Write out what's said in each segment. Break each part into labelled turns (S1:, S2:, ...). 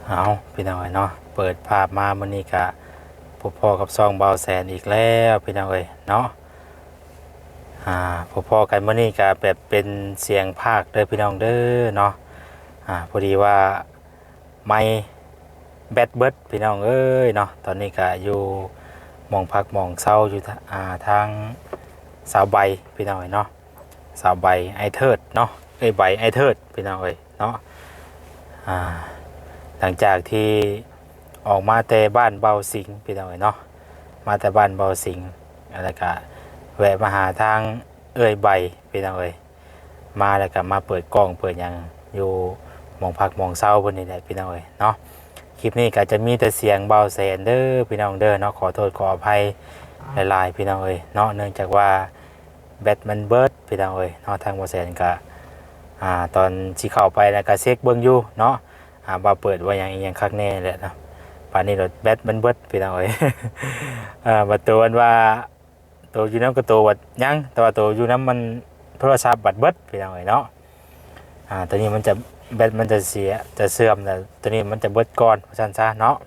S1: เอาพี่น้องเอ้ยเนาะเปิดภาพมามื้อนี้ก็พบพ่อกับซองเบาแสนอีกแล้วพี่น้องเอ้ยเนาะพบพ่อกันมื้อนี้ก็แบบเป็นเสียงภาคเด้อพี่น้องเด้อเนาะพอดีว่าไมค์แบตเบิดพี่น้องเอ้ยเนาะตอนนี้ก็อยู่หม่องพักหม่องเซาอยู่ทางสาวใบพี่น้องเอ้ยเนาะสาวใบไอเทิดเนาะใบไอเทิดพี่น้องเอ้ยเนาะอ่า หลังจากที่ออกมาแต่บ้านเบาสิงพี่น้องเนาะมาแต่บ้านเบาสิงแล้วก็แวะมาหาทางใบพี่น้องมาแล้วก็มาเปิดกล้องเปิดยังอยู่มองพักมองเศร้าบนนี้แหละพี่น้องเนาะคลิปนี้ก็จะมีแต่เสียงเบาแสนเด้อพี่น้องเด้อเนาะขอโทษขออภัยหลายๆพี่น้องเนาะเนื่องจากว่าแบตมันเบิดพี่น้องเนาะทางเบาแสนก็ตอนที่เข้าไปแล้วก็เช็คเบิ่งอยู่เนาะบ่เปิดว่าอย่างคักแน่แหละนะป่านนี้รถแบตมันเบิดพี่น้องบัดตัวอันว่าตัวอยู่น้ำก็ตัววัดยังแต่ว่าตัวอยู่น้ำมันโทรศัพท์บัดเบิดพี่น้องเนาะตัวนี้มันจะแบตมันจะเสียจะเสื่อมแต่ตัวนี้มันจะเบิดก่อนสั้นซะเนาะ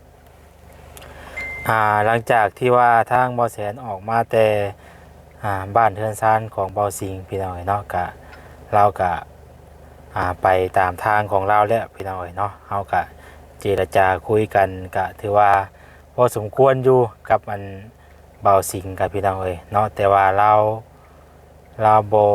S1: หลังจากที่ว่าทางเบาแสนออกมาแต่บ้านเทือนซานของเบาสิงพี่น้องเนาะกะเรากะไปตามทางของเราแล้วพี่น้องเนาะเรากะเจรจาคุยกันกะถือว่าพอสมควรอยู่กับมันเบาสิงกับพี่น้องเนาะแต่ว่าเราโบ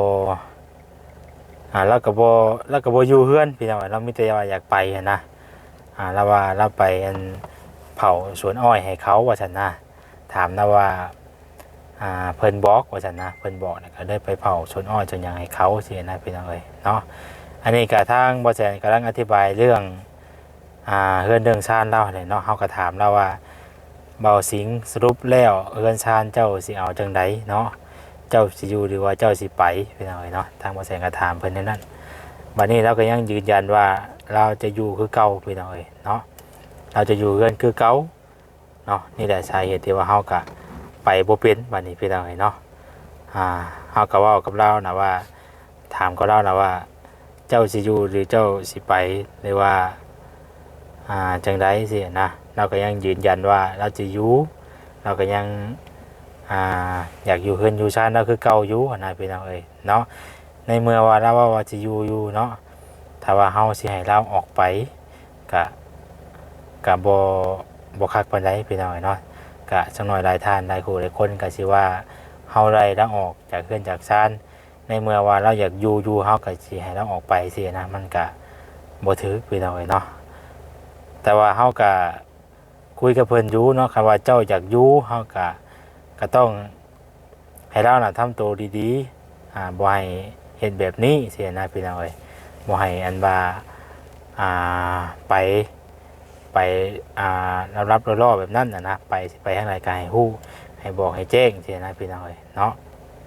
S1: เราก็โบอยู่เฮือนพี่น้องเรามีแต่ว่าอยากไปนะเราว่าเราไปเผาสวนอ้อยให้เขาว่าฉันนะถามนะว่าเพิ่นบอกว่าฉันนะเพิ่นบอกนะก็ได้ไปเผาสวนอ้อยจนยังให้เขาเสียนะพี่น้องเนาะอันนี้กะทางบอแสนกำลังอธิบายเรื่องเฮือนเรื่องชานเล่าเนี่ยเนาะเขาก็ถามเราว่าเบาสิงสรุปแล้วเฮือนชานเจ้าสิเอาจังไดเนาะเจ้าสิอยู่หรือว่าเจ้าสิไปพี่น้องเนาะทางบอแสนก็ถามเพิ่นในนั้นบัดนี้เราก็ยังยืนยันว่าเราจะอยู่คือเก่าพี่น้องเนาะเราจะอยู่เฮือนคือเก่าเนาะนี่แหละสาเหตุที่ว่าเฮาก็ไปบ่เป็นบัดนี้พี่น้องเนาะเฮาก็เว้ากับเรานะว่าถามกับเรานะว่าเจ้าสิอยู่หรือเจ้าสิไปหรือว่าจังไดสินะเราก็ยังยืนยันว่าเราจะอยู่เราก็ยังอยากอยู่เฮือนอยู่ชานเราคือเก่าอยู่นะพี่น้องเนาะในเมื่อว่าเราว่าจะอยู่เนาะถ้าว่าเฮาสิให้เราออกไปก็บ่คักปานใดพี่น้องเนาะก็จักหน่อยหลายท่านหลายคู่หลายคนก็สิว่าเฮาไล่เราออกจากเฮือนจากชานในเมื่อว่าเราอยากอยู่เฮาก็สิให้เราออกไปสินะมันก็บ่ถูกพี่น้องเนาะแต่ว่าเฮาก็คุยกับเพิ่นอยู่เนาะคำว่าเจ้าอยากอยู่เฮาก็ต้องให้เราน่ะทำตัวดีๆบ่ให้เฮ็ดแบบนี้สินะพี่น้องบ่ให้อันว่าอ่าไปรับล่อแบบนั้นนะไปทางไหนก็ให้ฮู้ให้บอกให้แจ้งสินะพี่น้องเนาะ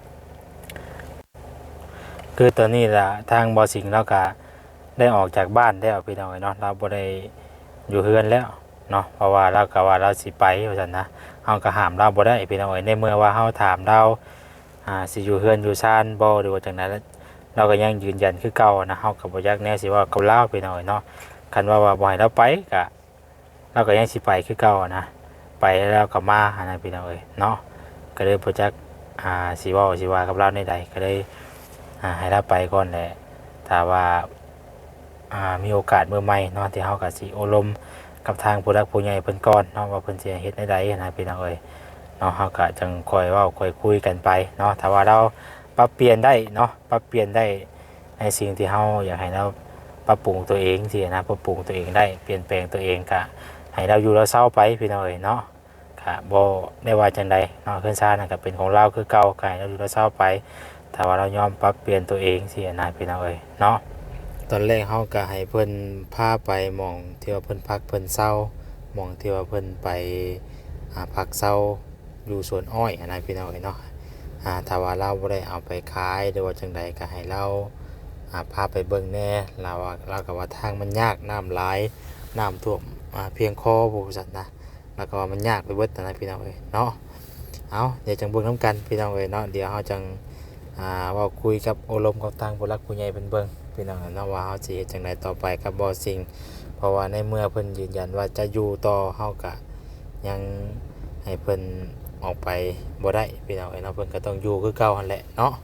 S1: คือตอนนี้ล่ะทางบอสิงห์เราก็ได้ออกจากบ้านแล้วพี่น้องเนาะเราบ่ได้อยู่เฮือนแล้วเนาะเพราะว่าเราก็ว่าเราสิไปว่าซั่นนะเฮาก็ห้ามเราบ่ได้พี่น้องในเมื่อว่าเฮาถามเราสิอยู่เฮือนอยู่ซ่านบ่หรือว่าจังได๋เราก็ยังยืนยันคือเก่านะเฮาก็บ่อยากแน่สิว่ากับเราพี่น้องเนาะคันว่าบ่ให้เราไปก็เราก็ยังสิไปคือเก่านะไปแล้วก็มานะพี่น้องเนาะก็เลยบ่จักสิเว้าสิว่ากับเราในใดก็เลยให้เราไปก่อนแหละถ้าว่ามีโอกาสเมื่อใหม่เนาะที่เฮาก็สิอบรมกับทางผู้หลักผู้ใหญ่เพิ่นก่อนเนาะว่าเพิ่นสิเฮ็ดได้ใดนะพี่น้องเนาะเฮาก็จังค่อยเว้าค่อยคุยกันไปเนาะถ้าว่าเราปรับเปลี่ยนได้เนาะปรับเปลี่ยนได้ในสิ่งที่เฮาอยากให้เราปรับปรุงตัวเองสินะปรับปรุงตัวเองได้เปลี่ยนแปลงตัวเองก็ให้เราอยู่เราเศร้าไปพี่น้องเนาะก็บ่ได้ว่าจังใดเนาะเพิ่นซ่านั่นก็เป็นของเราคือเก่าก็ให้เราอยู่เราเศร้าไปถ้าว่าเรายอมปรับเปลี่ยนตัวเองสินะพี่น้องเนาะตอนแรกเฮาก็ให้เพิ่นพาไปหม่องที่ว่าเพิ่นพักเพิ่นเศร้าหม่องที่ว่าเพิ่นไปพักเศร้าอยู่สวนอ้อยนะพี่น้องเนาะถ้าว่าเราบ่ได้เอาไปขายหรือว่าจังใดก็ให้เราพาไปเบิ่งแน่เราก็ว่าทางมันยากน้ำหลายน้ำท่วมเพียงคอผู้สัตว์นะแล้วก็ว่ามันยากไปเบิดนะพี่น้องเนาะเอาเดี๋ยวจังเบิ่งน้ำกันพี่น้องเนาะเดี๋ยวเฮาจังว่าคุยกับอบรมกับทางผู้หลักผู้ใหญ่เป็นเบิ่งพี่น้องเนาะว่าเฮาสิเฮ็ดจังไดต่อไปกับบอสิงเพราะว่าในเมื่อเพิ่นยืนยันว่าจะอยู่ต่อเฮาก็ยังให้เพิ่นออกไปบ่ได้พี่น้องเนาะเพิ่นก็ต้องอยู่คือเก่าหั่นแหละเนาะ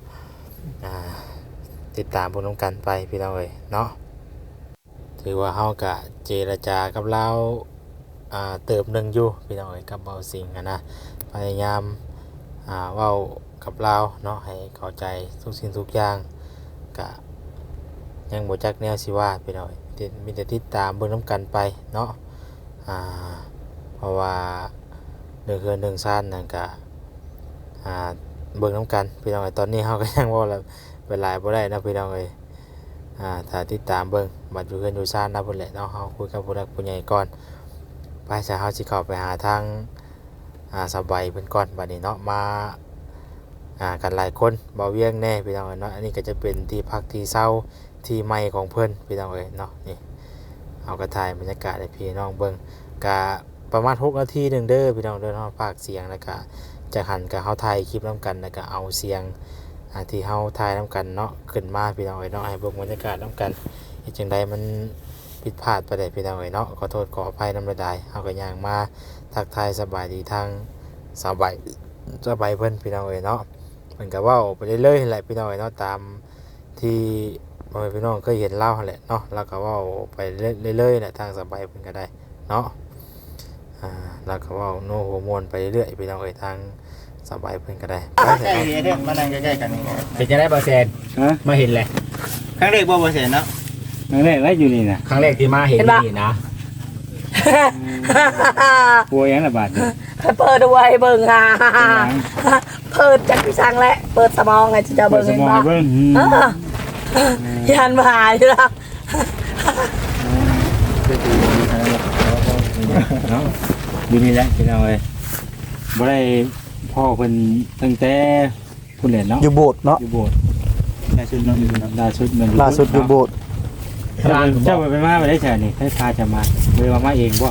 S1: ติดตามพวกน้องกันไปพี่น้องเนาะถือว่าเฮาก็เจรจากับเราเติมหนึงอยู่พี่น้องกับเบาสิงนะพยายามเว้ากับเราเนาะให้เข้าใจทุกสิ่งทุกอย่างก็ยังบ่จักแนวสิว่าพี่น้องมีแต่ติดตามเบิ่งน้ำกันไปเนาะเพราะว่าเรื่องเฮือนเรื่องซ่านนั่นก็เบิ่งน้ำกันพี่น้องตอนนี้เฮาก็ยังว่าเวลาบ่ได้นะพี่น้องถ้าติดตามเบิ่งบัดอยู่เฮือนอยู่ซ่านนะพุ่นแหละเนาะเฮาคุยกับผู้หลักผู้ใหญ่ก่อนไปซะเฮาสิเข้าไปหาทางสบายเพิ่นก่อนบัดนี้เนาะมากันหลายคนบ่เวียงแน่พี่น้องเนาะอันนี้ก็จะเป็นที่พักที่เช่าที่ใหม่ของเพิ่นพี่น้องเนาะนี่เอากระถ่ายบรรยากาศให้พี่น้องเบิ่งก็ประมาณ6นาทีนึงเด้อพี่น้องเด้อเนาะฝากเสียงแล้วก็จะหันกับเฮาถ่ายคลิปนํกันแล้วก็เอาเสียงที่เฮาถ่ายนํกันเนาะขึ้นมาพี่น้องเนาะให้เบิ่งบรรยากาศนํกันเฮ็ดจังไดมันผิดพลาดไปได้พี่น้องเนาะขอโทษขออภัยนำได้เฮาก็ย่างมาทักทายสบายดีทางสบายเพิ่นพี่น้องเนาะเพิ่นก็เว้าไปเรื่อยๆแหละพี่น้องเนาะตามที่พ่อแม่พี่น้องเคยเห็นเล่าแหละเนาะแล้วก็เว้าไปเรื่อยๆแหละทางสบายเพิ่นก็ได้เนาะแล้วก็เว้าโนโฮมวนไปเรื่อยๆพี่น้องทางสบายเพิ่นก็ได้ไปเถอะเนาะ
S2: มานั่งใกล้ๆกันนี่
S3: เป็นจะได้เปอร์เซ็นต์มาเห็นเลย
S2: ครั้งแรกบ่เห็นเนาะ
S4: นั่นแหละแล้วอยู่นี่นะ
S3: ครั้งแรกที่มาเห็นนี่นะ
S4: กลัวยังระบาดอยู่
S5: เปิดเอาไว้เบิ่งเปิดจากพี่ช่างและเปิดสมองไงจะ
S4: เปิ
S5: เบิ่
S4: ด
S5: ง
S4: ส
S5: เห็น
S4: มอง
S5: ปะ
S4: ให้เบิ่ง
S5: ยันมาหายแล้ว
S4: เนาะอยู่นี่แหละพี่น้องเอ้ยบ่ได้พ่อเพิ่นตั้งแต่พุ่นแหละเนาะ
S6: อยู่โบสถ์เนาะ
S4: อยู่โบสถ์
S2: ล่าสุดเนาะอยู่เนาะ
S4: ล่าสุดมัน
S6: ล่าสุดอยู่โบสถ์
S4: เจ้าไปมาบ่ได้ใช่นี่ให้พาจะมาเลยมาเองบ่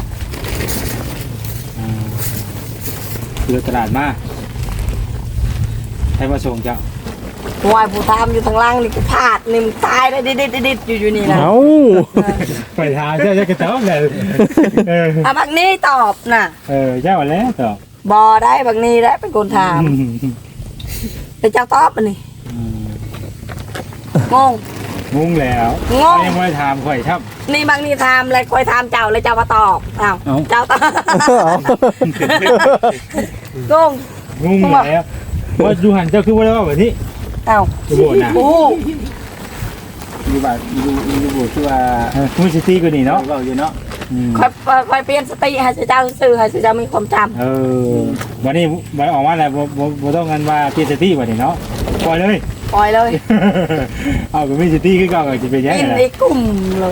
S4: คือตลาดมาให้มาส่งเจ้า
S5: วายผู้ทำอยู่ทางล่างนี่กูพลาดนี่มึงตายได้ดิดอยู่นี่นะ
S6: เอ้า
S4: ไปทางเจ้าจะกระเจ้าเลย
S5: บางนี้ตอบน่ะ
S4: เจ้าแล้วตอบบ
S5: อได้บางนี้ได้เป็นคนถามแต่เจ้าตอบมันนี่งง
S4: งงแล้ว
S5: งง
S4: ยังไม่ได้ถามข่อยครับ
S5: นี่บางนี่ถามแล้วคอยถามเจ้าแล้วเจ้ามาตอบอ้าวเจ้าตอบงง
S4: งงแล้วว่าดูหันเจ้าคือว่าแล้วแบบนี้
S5: อ้าว
S4: อยู่โบสถ์นะ
S5: โอ้
S2: อยู่บ้านอยู่บ่คือว่า
S4: มูสิตี้ก็นี่เนาะ
S2: เว้าอยู่เนาะ
S5: คอยเปลี่ยนสติให้เจ้าซื่อให้เจ้ามีความจำ
S4: วันนี้วันออกมาแล้วบ่ต้องกันว่าเปลี่ยนสตี้วันนี้เนาะปล่อยเลย
S5: ปล่อยเลย
S4: เอาก็มีสตี้คือเก่าก็จะเป็นยัง
S5: กิน
S4: ไง
S5: ในกลุ่มเลย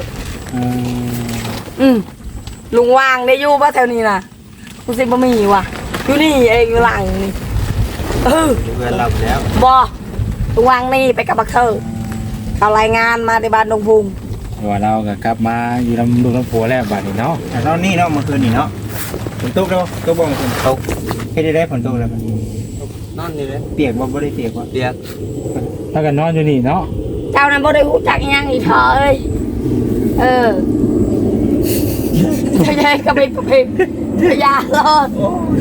S5: ลุงวางได้อยู่ป่ะแถวนี้น่ะกูสิบ่มีว่ะอยู่นี่เองอยู่หลังนี่
S2: อยู่เพื่อนรับแล้ว
S5: บอลุงวางนี่ไปกับบักเธอเขารายงานมาในบ้านดงพุง
S4: ว่าเราก็กลับมาอยู่ลำลูกลำผัวแล้วบัดนี้เนาะ
S2: แต่ตอนนี้เนาะเมื่อคืนนี่เนาะฝนตกแล้วตกบ่ฝนตกเฮ็ดได้ฝนตกแล้วนอนนี่เลยเปียกบ่ได้เปียกบ่เปียก
S4: ถ้ากันนอนอยู่นี่เนาะ
S5: เจ้านั้นบ่ได้หูจักอิหยังอีเถอะเอ้ยใช่ๆก็ไปพยาลอด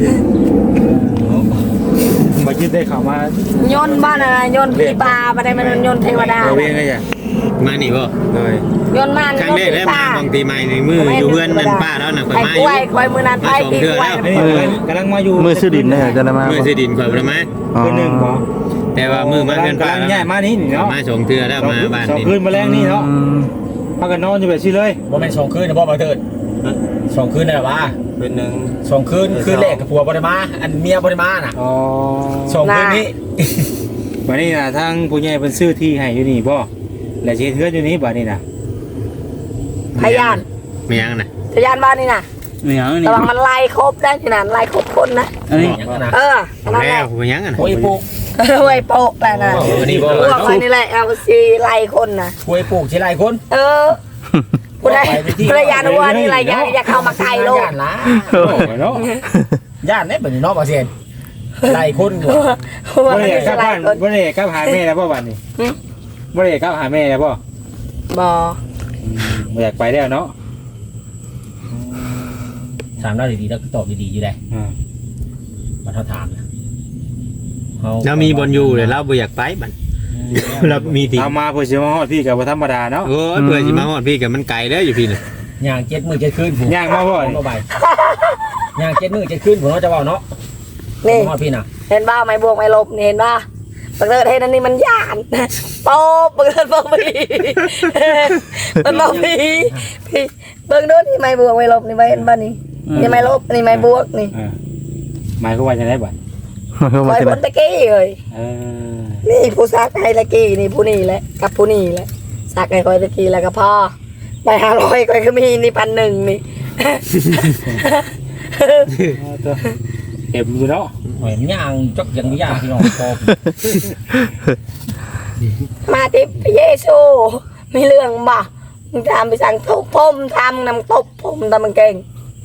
S4: มาคิดได้เข้ามา
S5: โยนบ้านอะไรโยนผีปลาบ่ได้มันโยนเทวดา
S2: เวียงได้จ้ะมานี่บ่เลย
S5: โยนมัน
S2: ครั้ง
S5: โยน
S2: แรก
S5: ผี
S2: ได้
S5: ป
S2: มา
S5: ลา
S2: บางทีใหม่ในมืออยู่เพื่อนมันป้าแล้วน่ะข่อย
S5: ไอ้
S2: มาก อยู่
S5: ล้วยคอยมือนั้นไผ่ปีกล้วย
S4: นี่กำลังมาอยู่
S6: มือซื้อดินเนี่ยจะได้มา
S2: มือสิดินข่อยบ่ได้มา
S4: คืนหนึ่งบ่
S2: แต่ว่ามือมาเพื่อนป้าก
S4: ำลังย้ายมานี่เนาะ
S2: มาส่งเทื่อแล้วมาบ้าน
S4: สอง
S2: นี่
S4: คืนมาแรงนี่เนาะพากันนอนอยู่แบบนี้เลย
S3: ว่าเป็น2 คืนนะบ่มาเถิด2 คืนได้หรอวะ
S2: เป็นนึง
S3: 2 คืนคืนแรกกับผัวบ่ได้มาอันเมียบ่ได้มาน่ะ
S4: อ๋อ
S3: 2 คืนนี้
S4: วันนี้นะทางผู้ใหญ่เป็นซื้อที่ให้อยู่นี่บ่และเช็ดเทือนอยู่นี่บ่นี่นะ
S5: พยาน
S2: ไม่ยังน่ะ
S5: พยานบ้านนี่น่ะ
S4: ไม่เอานี่
S5: ระวังมันไล่ครบได้ที่นั่นไล่ครบคนนะ
S4: อันนี้
S5: นั่นแห
S2: แล้
S5: ละ
S2: วไม่ยังน่ะ
S3: โอ้ยปลูก
S5: ไว้โปะแหละนะ
S3: นี่บ่
S5: พวกมันนี่แหละเอาสิไล่คนนะ
S3: โอ้ยปลูกที่ไรคน
S5: ผู้ใดภรรยาหัวนี่ไรอย่าเข้ามาใกล้โลก
S3: ย่านละ
S4: เนาะ
S3: ย่านเนี่ยเป็นนอกประเทศไรคนอยู่
S4: บ่ได้กลับบ้านบ่ได้กลับหาแม่แล้วบ่บัดนี้บ่ได้กลับหาแม่แล้วบ่
S5: บอ
S4: บ่อยากไปแล้วเนาะ
S3: ถามเราดีๆแล้วก็ตอบดีๆอยู่ได้มาเท่าถามนะ
S2: เรามีบอลอยู่เลยเราบ่อยากไปมันเรามีที
S1: เอามาเพื่อสิมาฮอดพี่ก็บ่ธรรมดาเนาะ
S2: โอ้ยเพื่อสิมาฮอดพี่กับมันไกลเด้ออยู่พี่น่ะ
S3: ย่าง7 มื้อ 7 คืนผม
S1: ย่างมาบ่
S3: บ่ใบย่าง7 มื้อ 7 คืนผมจะเว้าเนาะ
S5: นี่
S3: ฮอดพี่น่ะ
S5: เห็นบ้าไม่บวกไม่ลบนี่เห็นบ้าบังเอิญเห็นอันนี้มันย่านโป๊บบังเอิญบอกพี่มันบอกพี่เบิ่งดูนี่ไม่บวกไม่ลบนี่ไม่เห็นบ้านี่นี่ไม่ลบนี่ไม่บวกนี่
S1: หมายความว่าจังได๋บัด
S5: ไว้บนตะกี้เลย
S1: เออ
S5: นี่ผู้ซักให้ตะกี้นี่ผู้นี่แหละกับผู้นี่แหละซักให้คอยตะกี้แล้วก็พ่อไป500คอยก็มีนี่1,100นี่
S1: เต็มอยู่เนาะ
S3: หอยย่างจกยังย่างพี่น้องพอ
S5: มาที่พระเยซูมีเรื่องบ่มึงทำไปสั่งทุบผมทำนำตบผมทำมันเก่ง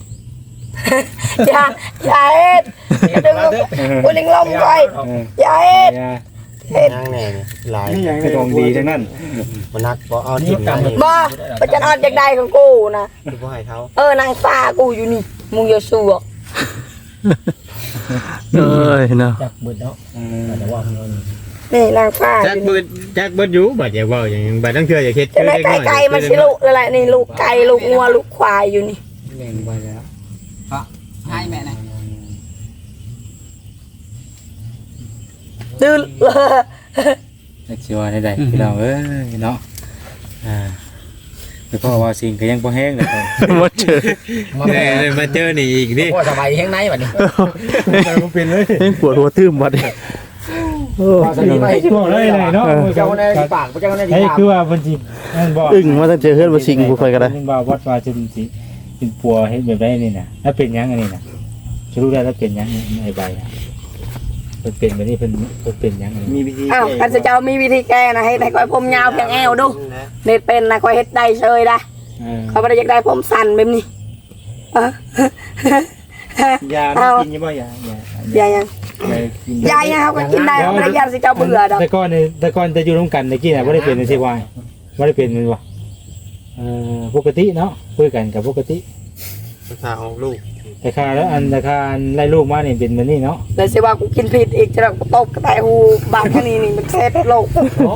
S5: อย่าเอ็ดดึงลูกกูลิงลมไปอย่าเอ็ดเอ็ด
S7: นั่งแน่นี่หลาย
S1: นี่ยังเป็นของดีทั้งนั้น
S7: มันนักบ่เอาจริงนะนี่
S5: บ่ประจันออนจากใดของกูนะ
S7: คือบ่ให้เขา
S5: นางฟ้ากูอยู่นี่มึงอย่าสู้
S6: เอ้ยเนาะ
S3: จักเบิดเนาะแต่ว่าพี่น้อง
S5: นี่นางฟ้า
S2: จักเบิดอยู่บัดอย่าเว้าอย่างบัดต้องเชื่ออย่าคิด
S5: จะได้ไก่มาสิลูกอะไรนี่ลูกไก่ลูกงัวลูกควายอยู่นี่
S7: แม่งไปแล้ว
S8: ให้แม่นะ
S5: ดื้อ
S1: จักสิว่าได้ๆพี่น้องเอ้ยเนาะแต่พ่อว่าสิ่งก็ยังบ่แห้งเลย
S6: มาเจอ
S2: มาเจอนี่อีกนี่
S3: พ่อสบายแห้งไหนบัดนี้
S1: มันเป็นเลย
S6: เฮ้ยปวดหัวตื้มบัดนี้โอ้
S3: พ่อสบายไป
S1: บอกเลยเนาะ
S3: เจ้าในปากเจ้าในที่
S1: เฮ้ย
S3: ปาก
S1: คือว่าเพิ่นสินั่นบ่
S6: อึ้งมาตั้งเจอเฮือนบ่สิงผู้ค่อยก็ได้
S1: นึงว่าวัดว่าจะสิเป็นปัวเฮ็ดแบบใดนี่น่ะแล้วเป็นหยังอันนี้น่ะจะรู้ได้แล้วเป็นหยังไอ้ใบอ่ะเพิ่นเป็นแบบนี้เพิ่นเป็นหยังอันนี้
S7: มีวิธี
S5: อ้าวกันจะเจ้ามีวิธีแก้นะให้คอยผมยาวเพียงแอวดูเน็ตเป็นนะคอยเฮ็ดได้เชยได้เขาไม่ได้อยากได้ผมสั้นแบบนี้
S1: ยาไม่กินยังบ่ยา
S5: ยายยังยายยังเขาก็กินได้ไม่ได้ยาสิเจ้าเบื่อดอก
S1: แต่ก่อนจะอยู่ร่วมกันตะกี้น่ะบ่ได้เป็นสิว่าบ่ได้เป็นมันว่าปกติเนาะคุยกันกับปกติ
S7: ภาษาออกลูก
S1: แต่ค่าแล้วราคาไล่ลูกมานี่เป็นแบบนี้เนาะ
S5: เลยสิว่ากูกินผิดอีกจะกูตบกระต่ายหูบาดแค่นี้นี่มันแซ่บโลก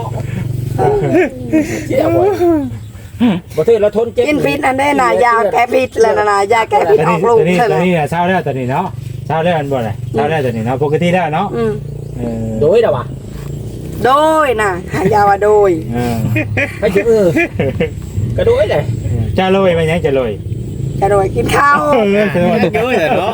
S3: เที่ยวบ่ถือแล้วทนเจ็บ
S5: กินผิดนั่นได้น่ะยาแก้ผิดแล้วน่ะยาแก้ผิดออกลูก
S1: ตอน
S5: ใช่ไหม
S1: นี้เช้าแล้วตอนนี้เนาะเช้าแล้วอันบ่น่ะเช้าแล้วตอนนี้เนาะปกติแล้วเนาะ
S3: โดยเด้อว่ะ
S5: โดยน่ะหายาว่าโดย
S3: ไปถึงก็โดยเลย
S1: จะโรยมันยังจะโรย
S5: จะโดยกินข้าว
S2: เยอะเลยเนาะ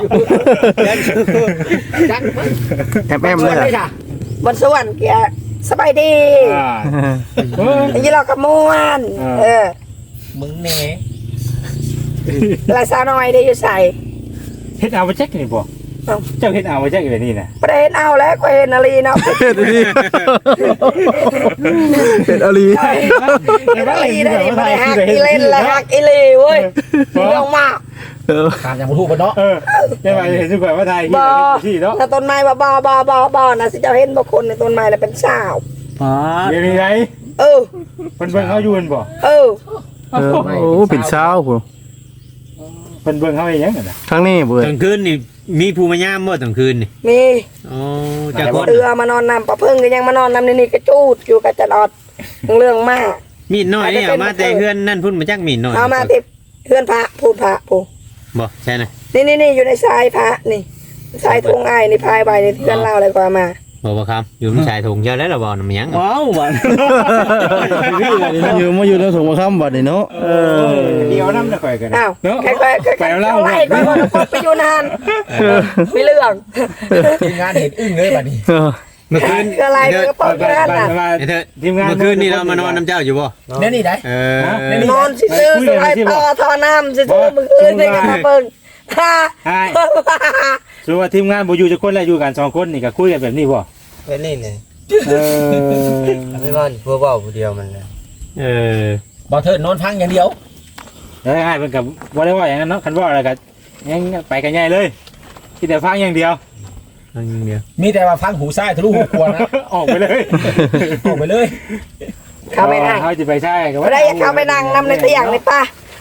S3: จัก
S6: แอบแอมเลยอ่ะ
S5: บนสวรรค์เกียสบายดีอย่างนี้เรากระมวน
S3: มึงแน่
S5: ลายสาวน้อยได้อยู่ใส่
S1: เฮ็ดเอาไปแจ็คนี่บ่เจ้าเฮ็ดเอาไปแจ็คแบบนี้น่ะ
S5: ประเด็นเอาแล้วก็เห็นนาลีเนาะ
S6: เฮ็ดดีเฮ็ดอาลี
S5: เห็นนาลีได้ดิไม่ได้หักอีเล่นและหักอีลีเว้ยเรื่องมาก
S3: ตามอย่างบ่ถูกบ่เนาะ
S1: ได้มาเห็นสุขว่าไทย
S5: บ่
S1: ที่เนาะ
S5: ถ้าต้นไม้บ่นะสิเจ้าเห็นบ่คนในต้นไม้น่ะเป็นสาว
S1: เดี๋ยวนี้ไง
S5: เออ
S1: เพิ่นเบิ่งเฮาอยู่บ่
S5: เออ
S6: โอ้เป็นเช้าพุ่น
S1: เพิ่นเบิ่งเฮาอีหยังน่ะ
S6: ทั้งนี้เบิด
S2: กลางคืนนี่มีภูมิยามบ่กลางคืนนี่
S5: มี
S2: อ๋อจากคน
S5: เรือมานอนนำปะเพิ่งก็ยังมานอนนำนี่กระจูดอยู่กับจันอดเรื่องมาก
S2: มีดน้อยนี่เอามาแต่เฮือนนั่นพุ่นมาจักมีดน้อย
S5: เอามาที่เพื่อนพระพูดพระปู
S2: บ่ใช่นะ
S5: นี่อยู่ในทรายพระนี่ทรายทงไอ้นี่พายใบนี่เพื่อนเล่าอะไรกว่ามา
S2: บ่ครับอยู่ในชายถุงเจ้าแล้วล่ะบ่นำหยัง
S6: ว้าวบัดอยู่มาอยู่ในถุงมะขามบัดนี่เนาะ
S1: เดี๋ยวนำแล้วค่อยกัน
S5: อ้าวใครเอาไว้ก็ไปอยู่นานมีเรื่อง
S3: ทีมงานเห็นอึ้งเลยบัดนี้
S2: เมื่อคืน
S5: คืออะไรก็ปอกกันน่ะ
S2: ไอ้เถิดเมื่อคืนนี่เรามานอนน้ำเจ้าอยู่บ่
S3: แน่นี่ได้
S5: นอนซื้อสายต่อน้ำซื้อมือคืนนี่กันมาเบิ่งฮ่า
S1: ส่วนว่าทีมงานบ่อยู่จักคนแล้วอยู่กัน2คนนี่ก็คุยกันแบบนี้บ่
S7: เป็นนี่เลยไม่ว่าเพื่อเว้าผู้เดียวมันเลย
S3: บ่เถิดนอนพังอย่างเดียว
S1: แล้วง่ายเพิ่นก็บ่ได้ว่าอย่างนั้นเนาะคันว่าอะไรก็ยังไปกันใหญ่เลยคิดแต่ฟังอย่างเดียว
S3: มีแต่ว่าฟังหูซ้ายทะลุหูขวานะ
S1: ออกไปเลย
S3: ออกไปเลย
S5: เข้าไปนั่ง
S1: เขาจะไปใช่ก็
S5: ไม่ได้เข้าไปนั่งนำในเตียงในป้า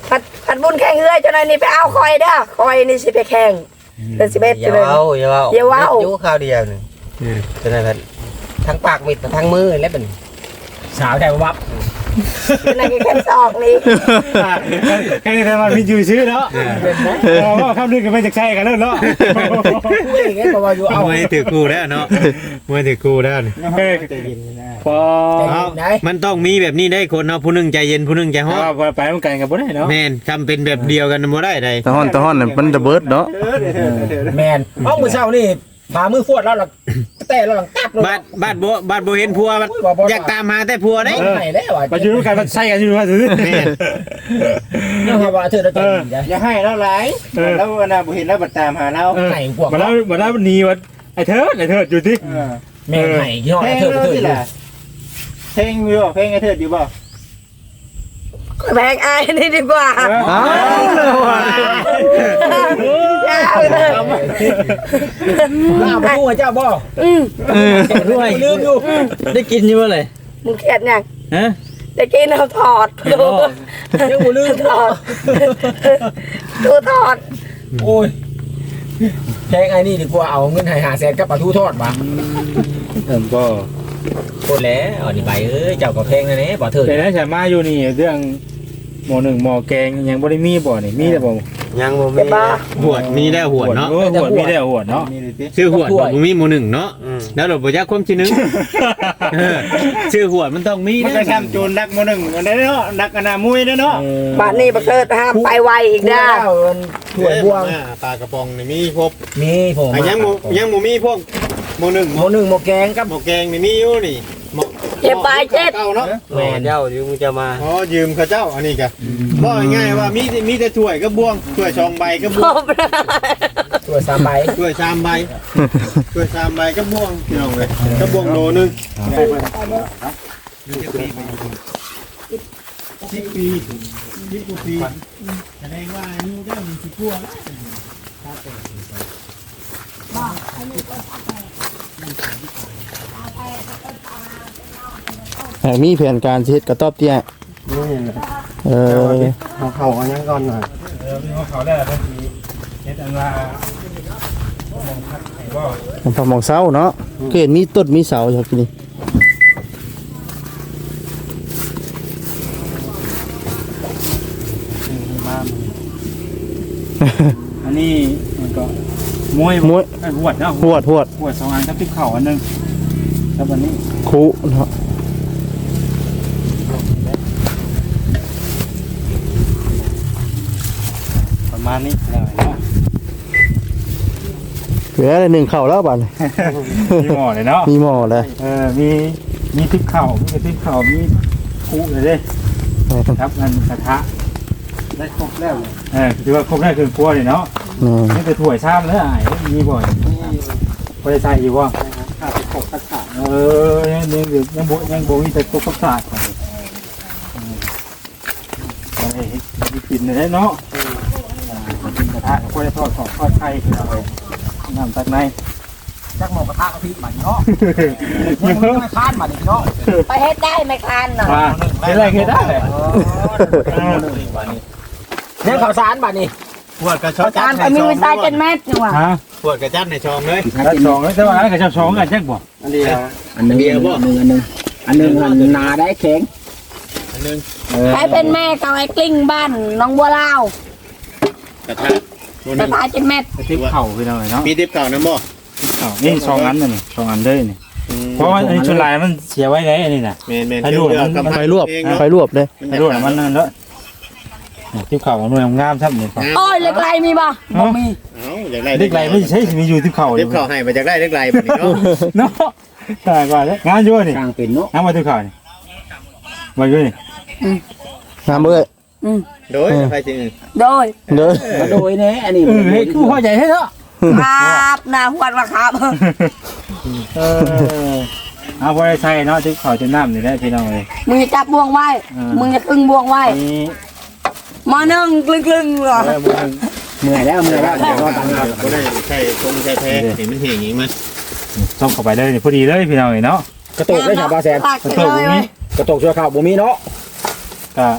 S5: ผัดบุญแข่งเฮือจนอันนี้ไปเอาคอยเด้อคอยนี่สิไปแข่งเดือน11
S7: อย่า
S5: จะเลย
S7: เว้าอย่าเว้า
S5: อย่าเว้า
S7: อยู่ข้าวเดียวนึงฉะนั้นก็ทั้งปากมิดทั้งมือแล้วเป็น
S3: สาวแถววับ
S5: เป็นอะไรแค่ซอกนี่
S1: แค่นี้ทำมาพิจูชื่อเนาะว่าคำนึงกันไม่จากใช่กันแล้วเนาะ
S3: กูเองไงก็ว่าอยู่เอา
S4: มวยถือกูแล้วเนาะมวยถือกูแล้วนี่
S1: พอ
S4: เอามันต้องมีแบบนี้ได้คนเนาะผู้หนึงใจเย็นผู้หนึงใจฮ้อน
S1: พอไปมันกันกับบ่ได้เนาะ
S4: แม่นทำเป็นแบบเดียวกันบ่ได้ใด
S6: ตะฮ้อนน่ะมันระเบิดเนาะ
S3: แมนเอามือเช้านี่พามือฟวดแล้วหลังแต่แล้วหลังตับเลย
S4: บ้านบ่เห็นผัวมันอยากตามหาแต่ผัวได้
S3: ไหนแล้วอ่ะ
S1: ไปอยู่ด้วยกันมันใช่กันอยู่ว่าซื้อ
S4: แม่น
S3: เนี่ยว่าเธอจะกินได้
S2: อย่าให้เราหลายแล้ววันน่ะบ่เห็นแล้วบัดตามหาเรา
S3: ไหนพวก
S1: มาแล้วหนีวัดไอ้เถิดอยู่ที่
S3: แม่ไหนที่ห้อง
S2: เพลง
S3: เธอ
S2: เรา
S3: เธอ
S2: สิล่ะเพลงมีบ่เพลงไอ้เถิดอยู่บ่
S5: แพงอายนี่ดีกว่า
S6: อ้าวแล้วว่ะ
S5: ยาวเลย
S3: ล่าไปกู้เจ้าบ่
S7: ด้วยลืมอยู่ได้กินอยู่บ่เลย
S5: มึงเครียดยัง
S7: ฮะ
S5: จะกินเอาถอดดู
S3: ยังบ่ลืม
S5: ถอดดูถอด
S3: โอ้ยแพงไอ้นี่ดีกว่าเอาเงินหาแสนกับปลาทูทอดมา
S1: ก็
S3: โคตรแล้วอันนี้ไปเจ้าก็แพงนะเนี่ยบ่เธอ
S1: แต่นั้นฉันมาอยู่นี่เรื่องหมอหนึ่งหมอแกงยังบ่ได้มีบ่นี่มีแต่บ่
S7: ยังบ่มี
S4: หวดมีได้หวดเนาะ
S1: หัวมีแต่หัวเนาะ
S2: นี่เลยสิ
S4: ชื่อหวดบ่มีหมู่หนึ่งเนาะแล้วเราบ่จักความชื่อหนึงชื่อหวดมันต้องมี
S2: มันก็ช้ำโจรดักมื้อนึงอันนั้นเนาะดักอนามุยเด้อเนาะ
S5: บ้านนี้บักเกิดห้ามไปไวอีกนะ
S3: ถั่วบวง
S4: ปลากระป๋องนี่มีครบ
S3: มีผม
S4: ยังบ่มีพวกหมู่หนึ่ง
S3: หมูหนึ่งหมูแกงกับ
S4: หม้อแกงนี่มีอยู่นี่หม้อ
S5: เจ็บปลายเจ็ด
S4: เก่าเนาะ
S7: แม่เจ้าอยู่มึงจะมา
S4: อ๋อยืมเขาเจ้าอันนี้กะบอกง่ายๆว่ามีแต่ถ้วยกับบวงถ้วย2ใบกับบวง
S3: ถั่ว3ใบ
S4: ถ้วย3ใบถ้วย3ใบกับบวงพี่น้องเลยกับบวงโลนึง10 ปีแสดงว่าอายุได้มันสิกว่าแล้ว
S6: มีแผนการสิเฮ็ดกระต๊อบเตี้ยเออ
S7: เขาอันยังก่อนหน่อย
S1: พี่เขาได้บางทีเฮ็ดอันว่าหมองพักให้บ่
S6: มันพอมองเสาเนาะก็เห็นมีต้นมีเสาอยู่ที่นี่
S1: อันนี้มันก็มวย
S6: มวย
S1: หวดเนาะ
S6: หวด
S1: หวด2อันกับติ๊กเข่าอันนึงแล้ววันนี้
S6: คุเนาะ
S1: ประมาณนี้แล้วเนาะ
S6: เหลือหนึ่งเข่าแล้วบัดนี้
S1: มีหม้อเลยเนาะ
S6: มีหม้อเลย
S1: มีติ๊กเข่ามีคุเลยเด้ครับอันกระทะ
S2: ได้ครบแล้ว
S1: ถือว่าครบได้คือครัวเลยเนาะ
S6: นี่
S1: นี่แต่ถ้วยชามแล้วอ้ายมีบ่อยพอได้ใส่อยู่บ่
S2: ข้าวครบกระถาง
S1: ยังบ่มีแต่ตุ๊กตากินได้เนาะกินกระทะก็ได้ทอดของทอดไข่เอาไว้น้ำตักใน
S3: จักหมูกระทะกะทิบัดนี้เนาะยังไม่คานบัดนี้เนาะ
S5: ไปเฮ็ดได้ไหมคันน่ะ
S1: ว่าเป็นไรคือได้เลย
S3: เนี่ยข่าวสารบัดนี้
S4: ปวดกระชอก
S5: การไปมีวิสัยเป็นแม่จังหวะ
S1: ฮะ
S4: ปวดกระจัดในช่องเลย
S1: แล้วสองแล้วแต่ว่าอะไรกับสองกันแจ็คบ่
S2: อันเดียว
S3: อันนึงอันนึงนาได้แข็ง
S4: อันนึง
S5: ใครเป็นแม่กับไอ้กลิ้งบ้านน้องบัวลาว
S4: กระทะตัว
S5: จะ
S4: นึง
S5: ตายเป็นแม่
S1: ทิพเข่าไปหน่อยเนาะ
S4: มีทิปเก่านะบ่
S1: นี่สองอันนี่สองอันเลยนี่เพราะว่าอันนี้ชุดลายมันเสียไว้ไงอันนี้น่ะ
S4: แม่น
S1: ให้ดูมัน
S6: ไฟรวบไฟรวบเลย
S1: ไม่รู้นะมันนั่นแล้วทิพเข่ามันงามครับนี่
S5: โอ้ยเล็กไรมีบ่
S1: บ่มี
S4: เอ้าอยากได้
S1: เล็กไรไม่ใช่มีอยู่ทิพเข่าอ
S4: ทิ
S1: ยู่
S4: ปเก่าให้มาจากได้เล็กไรแบบนี้เนาะ
S1: เนาะใช่กว่าเลยงานอยู่นี่
S3: กลางเป็นเนาะ
S1: งานมาทิพเข่านี่มาอยู่นี่
S6: น้ำเอ้ย
S4: โดยไปจริง
S5: โดย
S6: เด้อ
S3: โดยเนี่ยอันนี้
S1: เฮ้ยคือพ่อใหญ่ให้เนาะ
S5: ครับนาหวดว่าครับ
S1: เอาพอได้ใส่เนาะทิพเข่าจะน้ำนี่ได้พี่น้องเลย
S5: มึงจะจับบ่วงไว้มึงจะครึ่งบ่วงไว้
S1: นี่
S5: มานึ่งกลึงๆเหรอ
S3: เมื่อยแล้วเดี๋ยวรอตังค์
S4: ก็ได้ใช่ตรงใช่แท้เห็นมันเหี่ยงอย่างนี้มั้ย
S1: ส่งเข้าไปเลยพอดีเลยพี่น้องเนาะ
S3: กระโตกได้ชาวบาแซน
S5: ตักเลย
S3: กระโตกชั่วข้าวบ่มีเนาะ
S1: ก็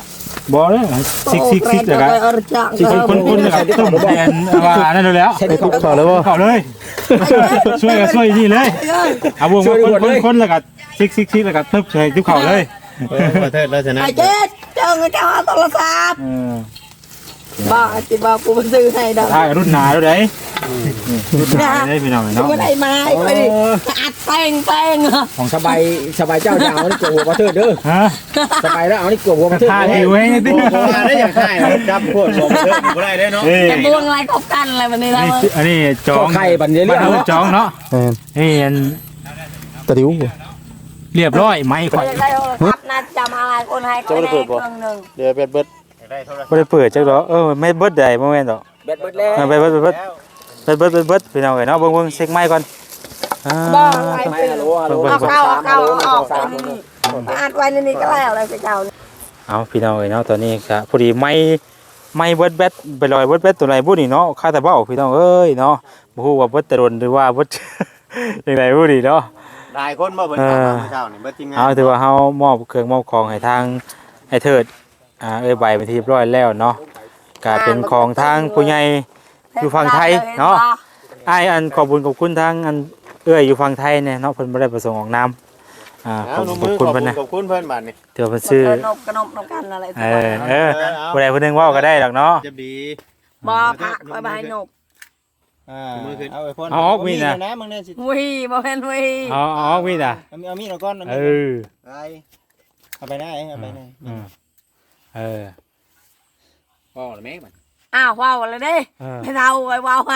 S1: บ่เด้อซิกแล้วก็ คนแล้วก็ต้มแทนว่านั่นแล้ว
S3: ใช่ดิ
S6: ทุบเขาแล้วบ่
S1: เข้าเลย ช่วยนี่เลยเอาวงคนแล้วก็ซิกแล้วก็ทึบใส่ทุกเข้าเลย
S2: ขอโทษเราชนะ
S5: ไอ้เจ๊เจ้าเงินเจ้าโทรศัพท์บ้าจิบ้ากูไปซื้อให้ดอก
S1: ถ้ารุ่นหนาแล้วเด้รุ่นหนาได้พี่น้อง
S5: กู
S1: เนาะ
S5: ไม่ได้ไม้ไปดิอัดแป้งอ่ะ
S3: ของสบายเจ้าจะเอานี่กลัวหัวมาเถิดเด้อ
S1: ฮะ
S3: สบายแล้วเอานี่กลัวหัวมาเถิด
S1: ท่าที่ไว้ดิ
S2: ได้อย่างไรจับพวกผมเลิกบ่ได้เด้เนาะ
S5: จะบวงอะไรคบกันอะไรแบบนี้นะ
S1: อันนี้จอง
S3: ไข่บันเนี้ย
S1: บ้านเฮาจองเนาะ
S6: แม่น
S1: นี่อัน
S6: ตะดิวบ่
S1: เรียบร้อยไม้ข่อย
S5: อยากได้โทรศัพท์นะจำอะไรคนให้คนแรกเครื่องหนึ่ง
S6: เดี๋ยวเบิด
S1: บ่ได้เปิดจักดอกไม่เบิดได้บ่แม่นดอก
S3: เบิดแล้ว
S1: ไปเบิดพี่น้องเอ้ยเนาะเบิ่งเช็คไม้ก่อน
S5: บ้าอะไรไปเอาเข้าออกอัดไว้ในนี้ก็แล้วอะไรไปเจ้า
S1: เอาพี่น้องเอ้ยเนาะตอนนี้ก็พอดีไม้เบิดแบตไปลอยเบิดแบตตัวไหนบ่นี่เนาะค่าแต่เบ้าพี่น้องเอ้ยเนาะบ่ฮู้ว่าเบิดแต่ดนหรือว่าเบิด จังไดบ่นี่เนาะ
S2: หลายคนบ่เพิ่นถามเช้านี่เบิดทีมงาน
S1: เอาถือว่าเฮามอบเครื่องมอบของให้ทางไอ้เทิดใบเป็นที่เรียบร้อยแล้วเนาะก็เป็นของทางผู้ใหญ่อยู่ฝั่งไทยเนาะอ้ายอันขอบคุณทางอันอยู่ฝั่งไทยเนี่ยเนาะเพิ่นบ่ได้ประสงค์ออกนามขอบคุณเพิ่นนะ
S2: ขอบคุณเพิ่นบัดนี่
S1: เดี๋ยวเพิ่นซื้อ
S5: นบกระนบนกันอะไร
S1: ผู้ใดผู้หนึงเว้าก็ได้ดอกเนาะ
S2: จะดี
S5: บ่พักไปให้นบ
S2: เอาไอ้พ่นมึงเนี่ยสิ
S5: วิบ่เห็นวิ
S1: อ๋อมีน่ะ
S2: เอามีดเอาก้อนเอา
S1: เอ
S2: มีด
S1: อ
S2: เอาไปได้เอาไปได้
S1: เออ
S3: พ่อหรือแม่มัน
S5: อ้าวว้าวอะไรเด้ให้เราไว้ว้าวให้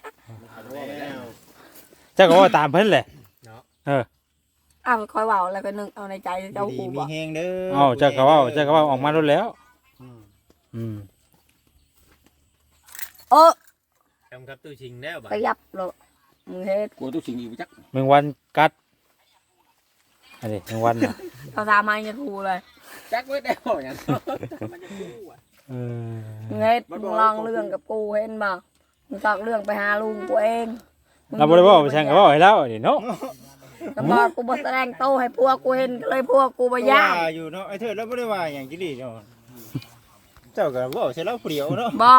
S1: เจ้าก็ว่าตามเพิ่นแหละ
S5: อ้าวคอยว้าวอะไรไปนึงเอาในใจเจ้า
S2: ดี
S5: กู
S2: มี
S5: บ่
S2: แฮงเด้อ
S1: เอ้าเจ้าก็ว่าออกมาแล้วอืม
S5: เออ
S7: ทำครับตู้ชิงแล้วบ่
S5: ไปยับเลยมึงเฮ็ด
S3: กลัวทุกสิ่งอยู่จัก
S1: แมงวันกัดอันนี้แมงวันน่ะ
S5: เขาทำให้ยังกูเลย
S3: จักเบิดแล้วอย่าง
S1: เออ
S5: มึงเฮ็ดมึงลองเรื่องกับกูเห็นบ่มึงตอกเรื่องไปหาลุงกูเอง
S1: เราบ่ได้บอกไปแช่งก็บอกให้แล้วนี่เนาะ
S5: ก็บอกกูบ่แสดงโตให้พวกกูเห็นเลยพวกกูบ่ย่า
S2: อยู่เนาะไอ้เถิดแล้วบ่ได้ว่าหยังจิดีเนาะเจ้าก็บ่ใช่แล้วเปรี้ยวเนาะ
S5: บ่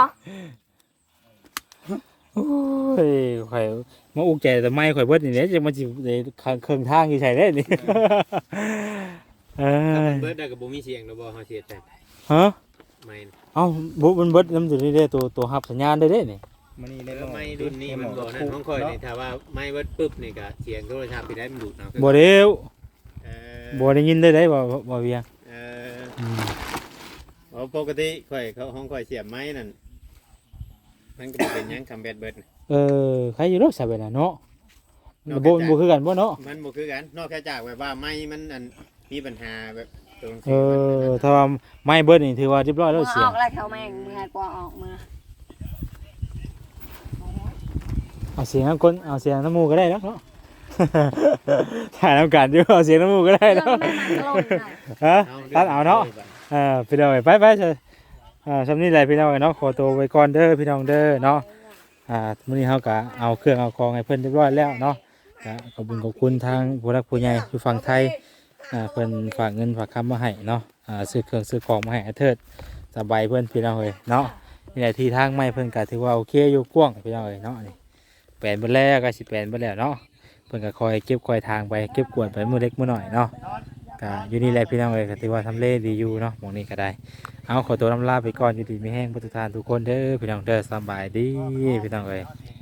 S1: โอ้ยข่อยมาอุกใจแต่ไม่ข่อยเบิดนี่แหละจะมาสิได้เครื่องทางอยู่ใช่เด้นี่เออ
S7: เบิดได้ก็บ่มีเสียงดอกบ่เฮาเสียใจ
S1: ฮะ
S7: ไม่
S1: เอ้าบุมันเบิดน้ำอยู่นี่เด้ตัวรับสัญญาณได้เด้นี่
S2: มันนี่ได้
S7: ไม่รุ่นนี้มันบ่นั่นของข่อยนี่ถ้าว่าไม่เบิดปึ๊บนี่ก็เสียงโทรศัพท์ไปได้มันดูดเอา
S1: บ่เร็ว
S7: เออ
S1: บ่ได้ยินได้บ่เวียง
S7: เออปกติข่อยเขาของข่อยเสียบไม้นั่นมันก็บ่เป็นหยังคำแบดเบิด
S1: ใครอยู่รถซะเบิดน่ะเนาะบ่คือกันบ่เนาะ
S7: มันบ่คือกันนอกจากแบบว่าไม้มันอันมีปัญหาแบบตรง
S1: ถ้าว่าไม่เบิดนี่ถือว่าเรียบร้อยแล้ว
S5: มึง
S1: เสี
S5: อย
S1: ง
S5: อกแล้วเขาแม่งมึงให้กว่าออกมา
S1: เอาเสียงน้ำคนเอาเสียงน้ำมูกก็ได้แล้วเนาะ ถ่ายน้ำกันอยู่เอาเสียงน้ำมูกก็ได้
S5: เรื่
S1: แล้
S5: อ
S1: ว
S5: งแม่มันกระโลกหน่อย
S1: ฮะตัดเอาเนาะพี่น้องไปเถอะสำนี้แหละพี่น้องเนาะขอตัวไว้ก่อนเด้อพี่น้องเด้อเนาะมื้อนี้เฮาก็เอาเครื่องเอาของให้เพิ่นเรียบร้อยแล้วเนาะขอบคุณทางผู้รักผู้ใหญ่อยู่ฝั่งไทยเพิ่นฝากเงินฝากคำมาให้เนาะซื้อเครื่องซื้อของมาให้อาเทิดสบายเพิ่นพี่น้องเอ้ยเนาะนี่แหละที่ทางไม่เพิ่นก็ถือว่าโอเคอยู่กว้างพี่น้องเอ้ยเนาะนี่แปลนเบิดแล้วก็สิแปลนเบิดแล้วเนาะเพิ่นก็คอยเก็บคอยทางไปเก็บกวาดไปมื้อเล็กมื้อน้อยเนาะก็อยู่นี่แหละพี่น้องเอ้ยก็ถือว่าทำเลดีอยู่เนาะหม้องนี้ก็ได้เอาขอตัวลาไปก่อนอยู่ดีมีแห้งทุกท่านทุกคนเด้อพี่น้องเด้อสบายดีพี่น้องเอ้ย